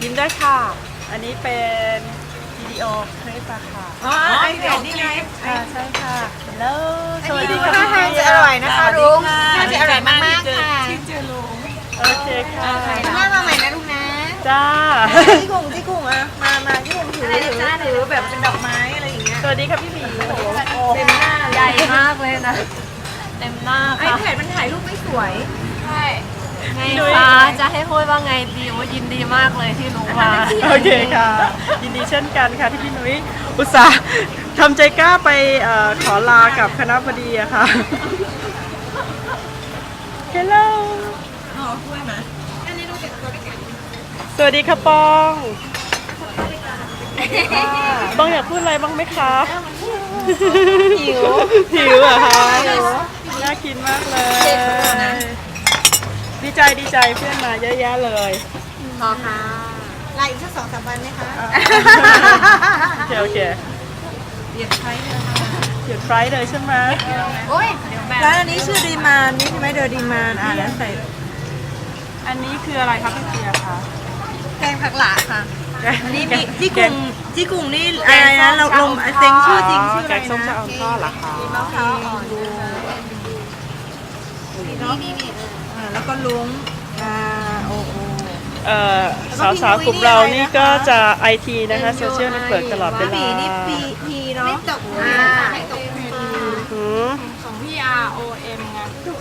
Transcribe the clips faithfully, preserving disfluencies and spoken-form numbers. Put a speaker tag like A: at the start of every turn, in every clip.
A: ยิ้มได้ค่ะอันนี้เป็นวิดีโอคลิปอะค่ะ
B: อ๋อไอเพจนี่ไง
A: ค่ะใช่ค่ะแล้วสวัสดี
B: ท่า
A: ค่ะ
B: ทางจะอร่อยนะคะลุงน่าจะอร่อยมากๆค่ะ
A: โอเคค่ะ
B: หน้ามาใหม่นะลุงนะ
A: จ้า
B: ที่กุ้งที่กุ้งอะมามาที่กุ้งถือถือถือแบบเป็นดอกไม้อะไรอย่างเงี้ย
A: สวัสดีค่ะพี่หมีโอ้โห
B: เต็มหน้า
C: ใหญ่มากเลยนะ เต็มหน้า
B: ไอ
C: ค่ะ
B: แพดมันถ่ายรูปไม่สวย
C: ใช่ไงคะจะให้พูดว่าไงดีว่ายินดีมากเลยที่รู้มา
A: โอเคค่ะยินดีเช่นกันค่ะที่พี่นุ้ยอุตส่าห์ทำใจกล้าไปเอ่อขอลากับคณะบดีอะค่ะ Hello
B: อ๋อช่วยมาอันนี้ต้องเก็บตัวด้วยกัน
A: สวัสดีค่ะปองปองอยากพูดอะไรบ้างไหมคะหิวหิวเหรอะคะน่ากินมากเลยดีใจดีใจเพื่อนมาเยอะแยะเลย
C: พอค่ะ
B: ลาอีกสักสองสามวันไหมคะ
A: โอเคโอเค
B: เดี๋ยวใช้เลยค่ะ
A: หยุดไฟล์เลยใช่ไหม
C: โอ้ยเดี๋ยวแบบ
B: ร้านอันนี้ชื่อดีมานนี่ใช่ไหมเดอดีมานอ่าแล้วใส่
A: อันนี้คืออะไรครับพี่เปียค่ะ
B: แกงผักหลาค่ะอันนี้มีที่กุ้งที่กุ้งนี่อะไรนะเราลงเซ็งชื่อจริงชื่ออะไร
A: แกงส้มชะ
B: นะ
A: อมทอดเหรอคะ
B: มะพร้าวอ่อนนี่นี่แล้วก็ลุงอ่าโอ้โห
A: เอ่อสาวๆกลุ่มเรานี่ก็จะไอทีนะคะโซเชียลเน็ตเวิร์กตลอดเวลา
B: ปีนี่ปีพีเนาะไม่ตกอ่าไม่ตก
A: หืม
C: ของพี่ R O M ไง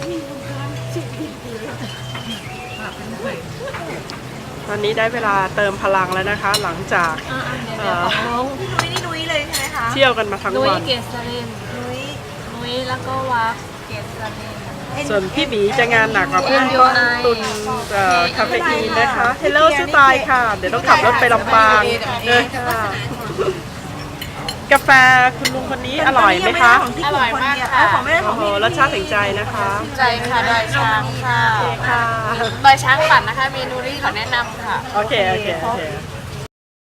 A: ตอนนี้ได้เวลาเติมพลังแล้วนะคะ หลังจาก
C: เดี๋ยวของน้อง
B: นุ้ยนี่นุ้ยเลยใช่ไหมคะ
A: เที่ยวกันมาทั้ง
C: นุ้ย
A: วัน
C: เกษริน
B: นุ้ย
C: นุ้ยแล้วก็วักเกษริน
A: ส่วนพี่หมีจะงานหนักกว่าเพื่อนก็ตุนเอ่อคาเฟอีนนะคะเฮลโลสไตล์ค่ะ เดี๋ยวต้องขับรถไปลำปางเลยค่ะ กาแฟคุณลุงคนนี้อร่อยไหมคะ
B: อร่อยมากค่ะของไม่ได้ข
A: โอ้
B: อง
A: โห
B: พี่
A: รสชาติถึงใจนะคะ
C: ใจค่ะดอยช้างค่ะ
A: ค่ะ
C: ดอยช้างปั่นนะคะเมนูที่ขอแนะนำค่ะ
A: โอเค โอเค โอเค